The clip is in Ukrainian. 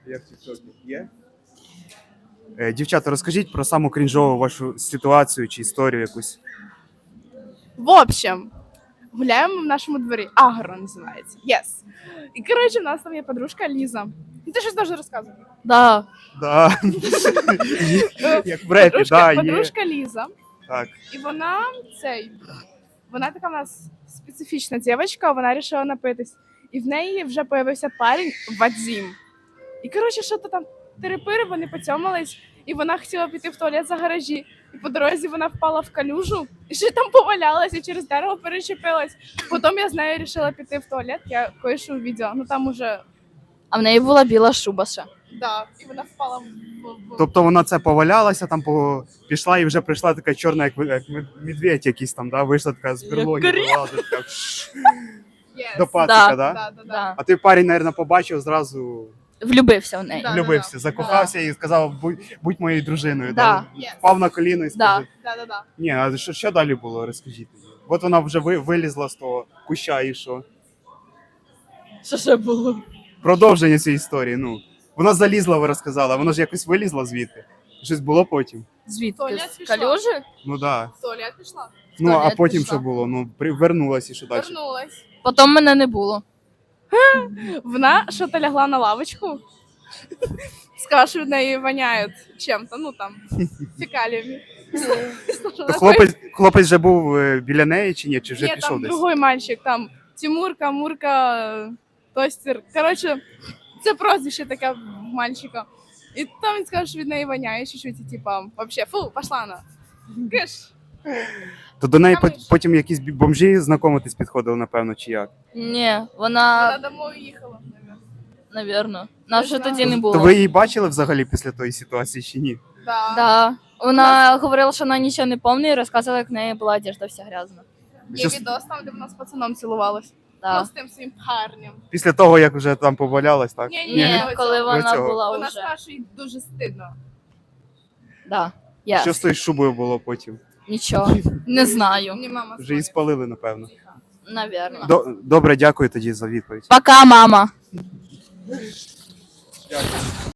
Як в тіктокі? Є? Дівчата, розкажіть про саму крінжову вашу ситуацію чи історію якусь. В общем, гуляємо в нашому дворі. Агро називається. Yes. І, коротше, в нас там є подружка Ліза. Ти щось дуже розказувати? Да. Да. Як в репі, да, є. Подружка Ліза. Так. І вона така в нас специфічна дівчинка, вона вирішила напитись. І в неї вже появився парень Вадзім. І, коротше, що то там терепири, вони поцьомались, і вона хотіла піти в туалет за гаражі. І по дорозі вона впала в калюжу, і ще там повалялась, і через дерево перечепилась. Потім я з нею вирішила піти в туалет, я кое-що увидела. Ну там уже... А в неї була біла шуба ще. Да, і вона впала в... Тобто вона це повалялася, там пішла і вже прийшла така чорна, як медведь якийсь там, да? Вийшла така з берлоги, вилазить, така Yes. до пацика, да? Да. Да. А той парень, мабуть, побачив, зразу Влюбився в неї. Да. влюбився, закохався і сказав, будь моєю дружиною. Да. Yes. Впав на коліно і сказав. Да. Ні, а що далі було, розкажіть. От вона вже вилізла з того куща і що? Що ще було? Продовження цієї історії, ну. Вона залізла, ви розказали, а вона ж якось вилізла звідти. Щось було потім. Звідки? Туалет З пішла. калюжі? Ну да. В туалет пішла. Ну, а туалет потім пішла. що було? Ну, вернулась і що далі? Вернулась. Потім мене не було. Вона що-то лягла на лавочку. Сказала, що від неї воняє чим-то, ну там, фекаліями. То хлопець вже був біля неї чи ні? Чи вже Ні, пішов там десь? другий мальчик, там Тимурка, Мурка, Тостер. Коротше, це прозвище таке в мальчика. І там він сказав, що від неї воняє чуть-чуть, і типа, вообще, фу, пошла вона. Киш. То до неї Там потім якісь бомжі знайомитись підходили, напевно, чи як? Ні, Вона вона, домой їхала, мабуть. навірно. Нас вже знаю. тоді не було. То ви її бачили взагалі після тої ситуації чи ні? Да. Да. Вона говорила, що вона нічого не пам'ятає, і розказувала, як в неї була одежда вся грязна. Є відос там, де вона з пацаном цілувалась. Ну, Да. з тим своїм парнем. Після того, як вже там повалялась, так? Ні, Ні, коли До вона цього. була Вона вже. сказала, що їй дуже стидно. Да. Що Yes. з тою шубою було потім? Нічого. Не знаю. Мені мама Вже її дзвонить. спалили, напевно. Навірно. Добре, дякую тоді за відповідь. Пока, мама.